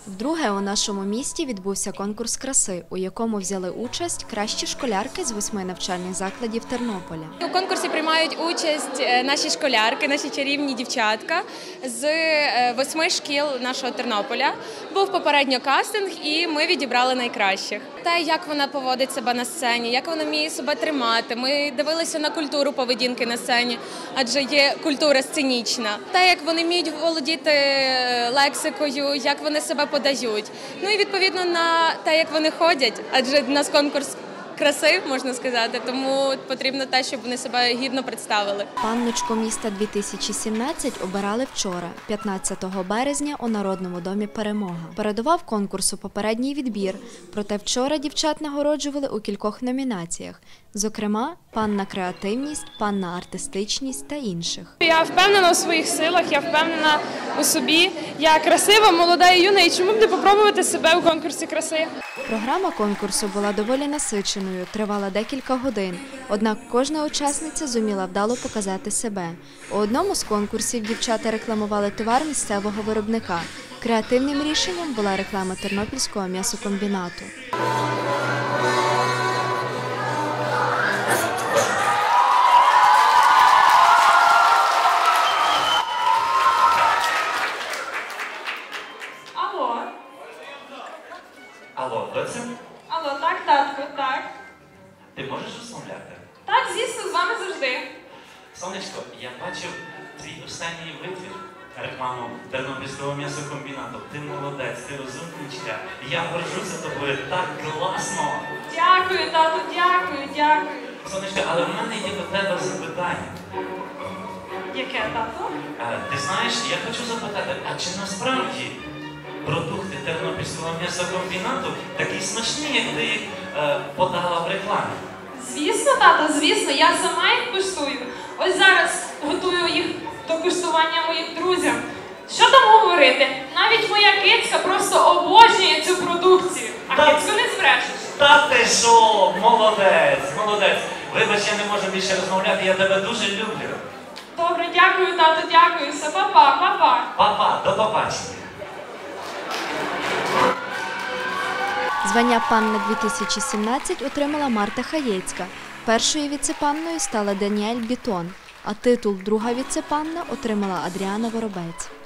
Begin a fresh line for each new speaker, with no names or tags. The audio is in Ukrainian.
Вдруге у нашому місті відбувся конкурс краси, у якому взяли участь кращі школярки з 8 навчальних закладів Тернополя.
У конкурсі приймають участь наші школярки, наші чарівні дівчатка з 8 шкіл нашого Тернополя. Був попередньо кастинг і ми відібрали найкращих. Те, як вона поводить себе на сцені, як вона вміє себе тримати. Ми дивилися на культуру поведінки на сцені, адже є культура сценічна. Те, як вони вміють володіти лексикою, як вони себе подають. Ну і відповідно на те, як вони ходять, адже в нас конкурс краси, можна сказати, тому потрібно те, щоб вони себе гідно представили.
Панночку міста 2017 обирали вчора, 15 березня, у Народному домі «Перемога». Передував конкурсу попередній відбір, проте вчора дівчат нагороджували у кількох номінаціях. Зокрема, «Панна креативність», «Панна артистичність» та інших.
Я впевнена у своїх силах, я впевнена у собі. Я красива, молода і юна, і чому б не попробувати себе у конкурсі краси?
Програма конкурсу була доволі насиченою, тривала декілька годин, однак кожна учасниця зуміла вдало показати себе. У одному з конкурсів дівчата рекламували товар місцевого виробника. Креативним рішенням була реклама Тернопільського м'ясокомбінату.
Алло, доця?
Алло, так, татко, так.
Ти можеш розмовляти?
Так, звісно, з вами завжди.
Сонечко, я бачив твій останній витвір, рекламу Тернопільського м'ясокомбінату. Ти молодець, ти розумничка. Я горжуся тобою, так класно.
Дякую, тату, дякую, дякую.
Сонечко, але в мене є до тебе запитання.
Яке, тату?
Ти знаєш, я хочу запитати, а чи насправді продукти Тернопільського м'ясокомбінату такі смачні, як ти їх подала в рекламі?
Звісно, тато, звісно, я сама їх куштую. Ось зараз готую їх до куштування моїм друзям. Що там говорити? Навіть моя кицька просто обожнює цю продукцію. А кицьку не збрешеш.
Та ти що? Молодець, молодець. Вибач, я не можу більше розмовляти, я тебе дуже люблю.
Добре, дякую, тату, дякую. Все, папа, папа.
Папа, до побачення.
Звання «Панна-2017» отримала Марта Хаєцька. Першою віце-панною стала Даніель Бітон, а титул «Друга віце-панна» отримала Адріана Воробець.